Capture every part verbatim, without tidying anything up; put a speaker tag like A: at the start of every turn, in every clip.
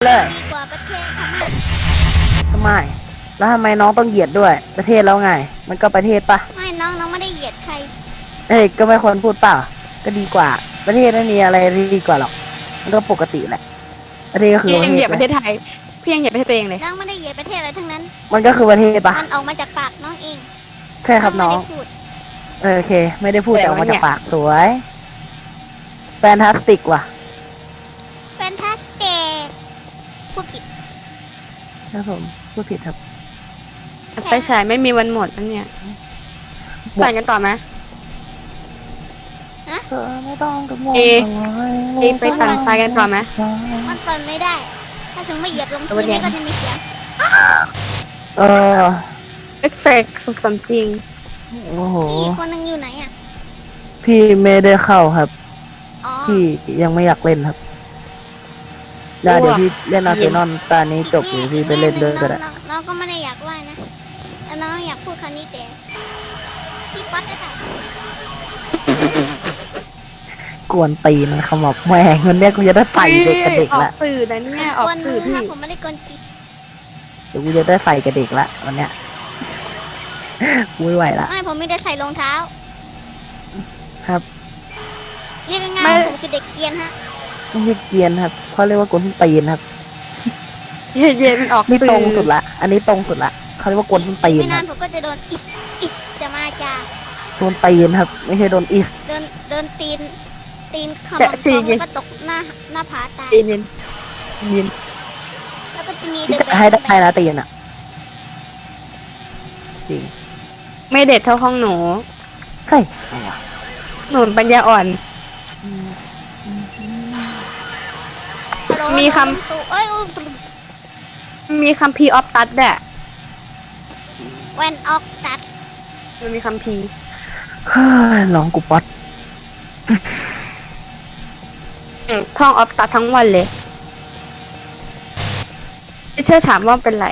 A: เลย
B: ดีกว่าประเทศค่ะแม่
A: ทำไมแล้วทำไมน้องต้องเหยียดด้วย ประเทศแล้วไง มันก็ประเทศปะ
B: ไม่น้องน้องไม่ได้เหยียดใคร
A: เอ้ยก็ไม่ควรพูดเปล่าก็ดีกว่า ประเทศไม่มีอะไรดีกว่าหรอกมันก็ปกติแหละ ประเทศก็คือ
C: พี่
A: ประ
C: ยัง
A: เท
C: เหยี
A: ศ
C: ยบประเทศไทยพี่ยังเหยียบประเทศตัวเองเลย
B: น้องไม่ได้เหยียดประเทศอะไรทั้งนั้น
A: มันก็คือประเทศปะ
B: มันออกมาจากปากน้องเอง
A: ใช่ครับน้อง
B: ไม่ได้พูด
A: เออโอเค ไม่ได้พูด
C: แต่
A: แต่ออกมา
C: ว่าเนี่
A: จาย กปากสวยแฟนตาสติกว่ะ
B: แฟนตาสเตกพูดผิด
A: ครับผมพูดผิดครับ
C: ไฟฉายไม่มีวันหมดอันเนี้ย
A: หมด
C: ไปกันต่อไหม
A: เธอไม่ต้องกังวล
C: เอ
A: อะไร
C: เอไปฝั่งซ้ายกันต่อไหม
B: มันเปิดไม่ได้ ถ้าถึงไม่เหยียบลง
C: เอา
B: พื้น
C: ไว้
B: นี่
C: เนี่ย
B: ก็จะมีเสียง
A: เออ
C: เอฟเฟกต์สุดสมจริง
A: โอ้โห
B: พี่คนหนึงอยู่ไหนอ่ะ
A: พี่ไม่ได้เข้าครับ
B: อ๋อ
A: พี่ยังไม่อยากเล่นครับเดี๋ยวเดี๋ยวพี่เล่นอาร์เซนอลตอนนี้จบหรือพี่ไปเล่นด้วยก็ได้
B: น้องน้องก็ไม่ได้อยากว่านะแต่น้องอยากพูดคำนี้แต่พี่ป๊อตได้ค่ะ
A: กวนตีนขมับแม่งวันเนี้ยกูจะได้ใส่เด็กกับเด็ก
C: ออ
A: ละ
C: กสื่อนะเนี่ยออก
B: วนมื
C: สื่อ
B: อ
C: พี่
B: ค่ะผมไม่ได้กวนตี
A: เดี๋ยวกูจะได้ใส่กับเด็กละวันเนี้ยกูไม่ไหวละ
B: ไม่ผมไม่ได้ใส่รองเท้า
A: ครับ
B: เรียกง่ายๆผมคือเด็กเกรียนฮะ
A: ไม่ใช่เกรียนครับเขาเรียกว่ากวนตีนครับ
C: เย็นๆมันออก
A: นี่
C: สื่
A: ต
C: อ
A: รงสุดละ อันนี้ตรงสุดละเขาเรียกว่ากวนตีน
B: ไม่
A: ครั
B: นาน
A: บ
B: ผมก็จะโดนอิสอิสจะมาจาก
A: วนตีนครับ ไม่ใช่โดนอิส
B: เดินเดินตีน ตีนขมำตัวแล้วก็ตกหน้าหน้าผาตาย
C: เย็นเย็นเย็น
B: แล้วก็จะมี
A: ที่
B: เดิน
A: จะให้ได้นะตีนอ่ะจริง
C: ไม่เด็ดเท่าห้องหนู
A: ใช่ไงวะ
C: หนูปัญญาอ่อน
B: ฮัลโหล
C: มีคำ
B: ฮัลโหลเอ้ย
C: มีคัมภีร์ออฟตัดแหละ
B: แวนออกตัด
C: มันมีคัมภีร์
A: เฮ้ยลองกูป๊อต
C: อืมท่องออฟตัดทั้งวันเลยไม่เชื่อถามว่าเป็นไร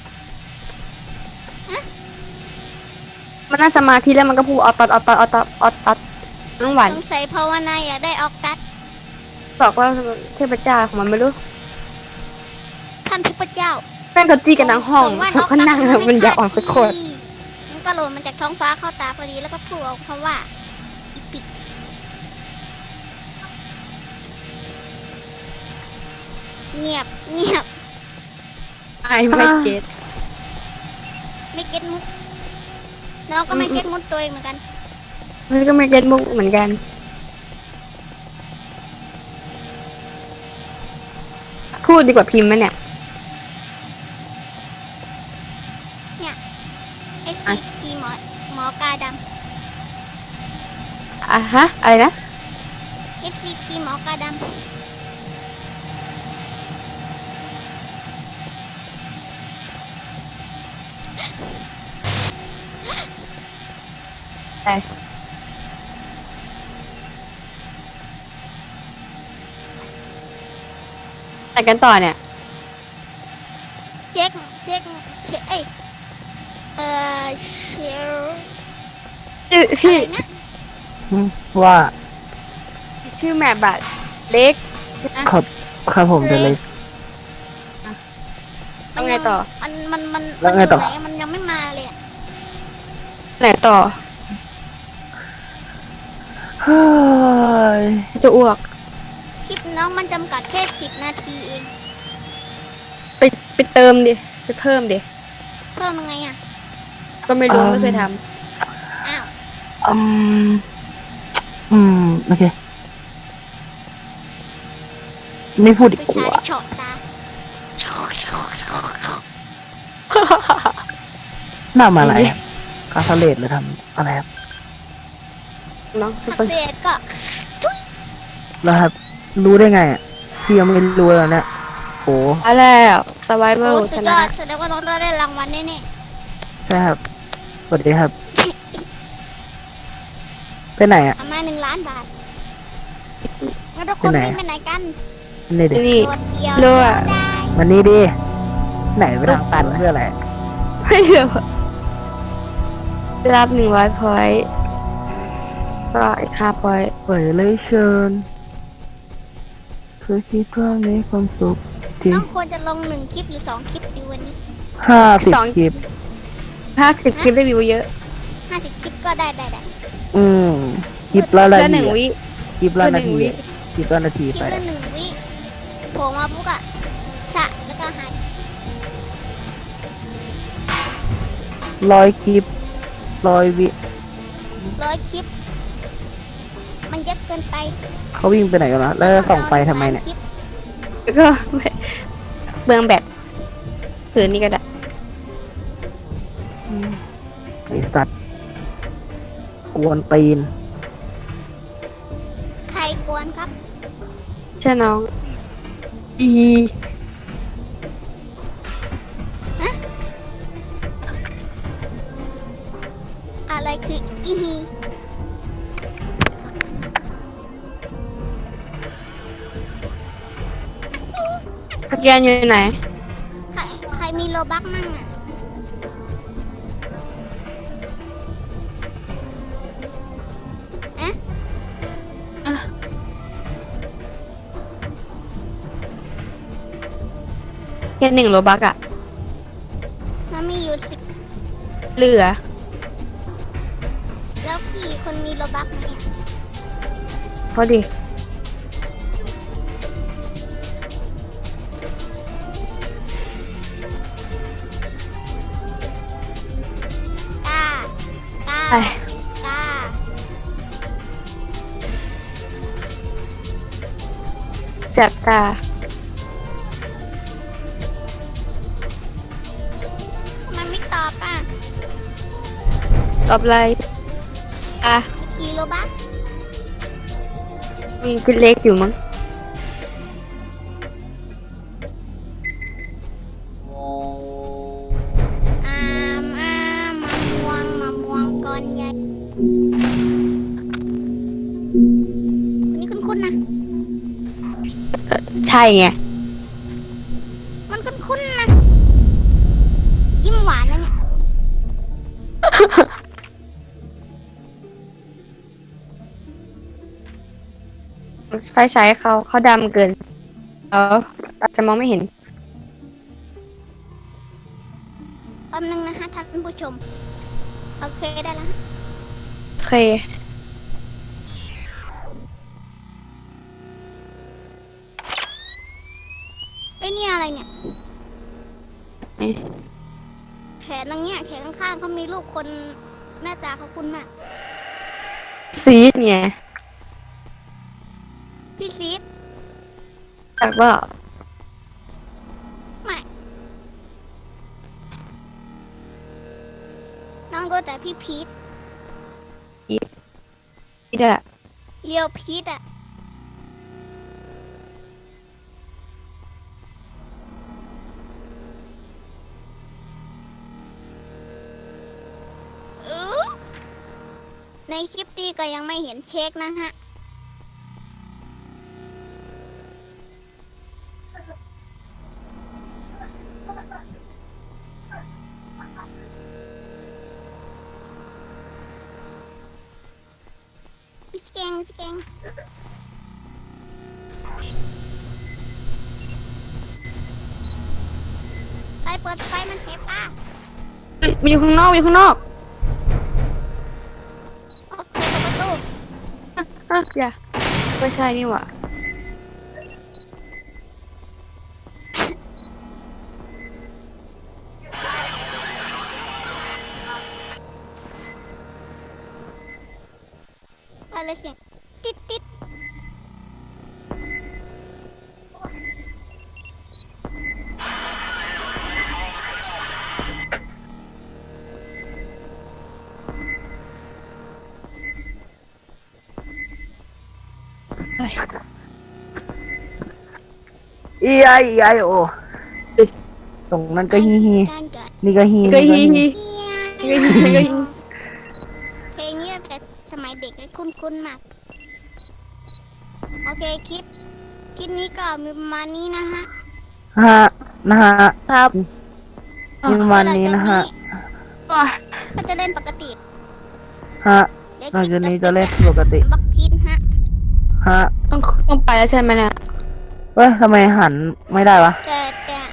C: มันนั่งสมาธิแล้วมันก็พูดออฟตัดออฟตัดออฟตัดออฟตัดทั้งวัน
B: สงสัยภาวนาอยากได้ออกตัด
C: บอกว่าเทพเจ้าของมันไม่รู้
B: ท่านเทพเจ้า
C: แม่งเขาตีกันทั้งห้อง
B: ส่แว่น
C: เขาก็นั่ง
B: ออกตัด
C: มันอยากออกสักคน
B: มันก็หล่นมาจากท้องฟ้าเข้าตาพอดีแล้วก็พูดออกคำว่าอีปิดเงียบเงียบ
C: ไอไม่เก็ต
B: ไม่เก็ตมุกน้องก็ไม่เก็ตมุกตัวเองเหมือนกัน
C: เฮ้ยก็ไม่เก็ตมุกเหมือนกัน พูดดีกว่าพิมพ์ไหมเนี่ย
B: ไอซีทีหมอหมอกาด
C: อ่ะฮะ อะไรนะ
B: ำไอซีทีหมอกาด
C: ไปไปกันต่อเนี่ย
B: ำเช็คเช็คเช็คเอ้ยเอ่อเชล
C: ชื่อ
B: อะ
C: พี่
B: ไรนะ
A: อืมว่า
C: ชื่อแมปบัตเล็กนะครับ
A: ครับผมจะเลย
C: เอาไงต่อ
B: มันมันมัน
A: แล้วไงต่อ
B: มันยู่หนมันยังไม่มาเลยอะ
C: ไหนต่อ
A: เฮ้ย
C: จะอ้วก
B: คลิปน้องมันจำกัดแค่สิบนาทีเอง
C: ไปไปเติมดิ ไปเพิ่มดิ
B: เพิ่มยังไงอ่ะ
C: ก็ไม่รู้
A: อืม
C: ไม่เคยท
B: อ้าว
A: อืมอืมโอเค ไม่พูดดี
B: ผู้
A: ก
B: ชาย
A: ว่า
B: เฉาะตา
C: ำ
A: ทำอะไรครับคาสเลตหรือทำอะไรครับ
C: น้อง
B: ทักเศษก็
A: แล้วครับ รู้ได้ไงอ่ะพี่ยังไม่รู้แล้วเนี่ยโห
C: มาแล้วสไวเว
B: โอ้
C: ล
B: สุ
C: ช
B: ดย
C: นะ
B: อดแสดงว่าน้องได้รางวัลแน่
A: ใช่ครับสวัสดีครับ ไปไหนอ่ะ
B: ๆประมาณหนึ่งล้านบาทงั้นทุกคน
A: ไปไหน
B: วิ่งไปไหนกัน
A: นี่ดิ
C: นี่
B: โดดเดียว
C: เลือด
B: ได้
A: มันนี่ดิไหนไปทางตันเพื่ออะไร
C: ไม่รู้ได้รับหนึ่งร้อยพอยต์ก็อีกห้าพอยต์
A: เปิดเลยเชิญเธอคิดว่ามีความสุขจริง
B: น้องควรจะลงหนึ่งคลิปหรือสองคลิปดีวันนี้
A: ห้าสิบ
C: สอง
A: คลิป
C: ห้าสิบคลิปได้วิวเยอะ
B: ห้าสิบคลิปก็ได้ได้ได้
A: อืมคลิปละนา
C: แล้วห
A: ที
C: นึ่งวิ
A: คลิปละนา
C: แล้วหนึ่
A: ที
C: งวิ
A: คลิปละนาที
B: คลิ
A: ไป
B: ปละหนึ่งวิโผล่มาปุ๊บอะสะแล้วก็หาย
A: ร้อยคลิปร้อยวิ
B: ร้อยคลิป มันเยอะเกินไป
A: เขาวิ่งไปไหนกันนะแล้วจะส่องไปทำไมเนี่ย
B: คลิป
C: แล้วก็เบืองแบตผืนนี้ก็ได้
A: ไอสัตว์กวนตีน
B: ใครกวนครับ
C: ใช่น้อง อี
B: อะไรคืออีฮี
C: สแกนอยู่ไหน
B: ใครใครมีโลบักมั่งอะเอ๊ะ
C: แค่หนึ่งโลบักอะ
B: มันมีอยู่สิบ
C: เหลือ
B: แล้วพี่คนมีโลบักไหมอะ
C: พอดี
B: กล้ากล้า
C: ไป
B: กล้า
C: แสบตา
B: มันไม่ตอบอ่ะ
C: ตอบอะไรอ่ะ
B: กี่โลบัก
C: มีคิดเล็กอยู่มั้ง
B: อามอามมะม่วงมะม่วงก้อนใหญ่คนนี้คุ้นๆนะ
C: เอ่อใช่ไง
B: มันคุ้นๆนะ ยิ้มหวานนะเนี่ย
C: ไฟฉายเขาเขาดำเกินเอออาจจะมองไม่เห็น
B: แป๊บนึงนะคะท่านผู้ชม โอเคได้แล้ว
C: โอเค
B: ไอ้เนี่ยอะไรเนี่ย
C: เอ๊ะ
B: แขนตรงเนี้ยแขนข้างๆเขามีรูปคนหน้าตาเขาคุ้นมาก
C: ซีดไง
B: พี่ซีด
C: จากว่า
B: ไม่น้องรู้แต่พี่พีท
C: ซีดอะ
B: เรียวพีทอะอื้อในคลิปนี้ก็ยังไม่เห็นเช็คนะฮะ สแกงสแกงไปเปิดไฟมันเทปอ่ะ
C: มันอยู่ข้างนอกมันอยู่ข้างนอก
B: โอเคเปิดประตู
C: อ่ะอย่าไม่ใช่นี่หว่า
B: อะไรเสียงติดติด
A: อีไออีไอโอตรงนั้นก็ฮีฮี
B: การเกิด
A: นี่ก็ฮี
C: ก็
A: นี่
C: ฮี
A: ก็ฮี
C: ฮี ก็ฮีก็ฮี
B: เพลงนี้ตั้งแต่สมัยเด็กเลยคุ้นๆมาก โอเคคลิป คลิปนี้ก็มีประมาณนี้นะฮะ
A: ฮะนะฮะ
C: ครับ
A: มีประมาณนี้นะฮะ
C: อ่ะ
B: ก็จะเล่นปกติ
A: ฮะ
B: เดี๋ยว
A: หลัง
B: คลิ
A: จาก
B: ป
A: นี้จะเล่นปกติ
B: บักพีทฮะ
A: ฮะ
C: ต้องต้องไปแล้วใช่ไหมเนี่ย
A: เฮ้ยทำไมหันไม่ได้วะ
B: แต่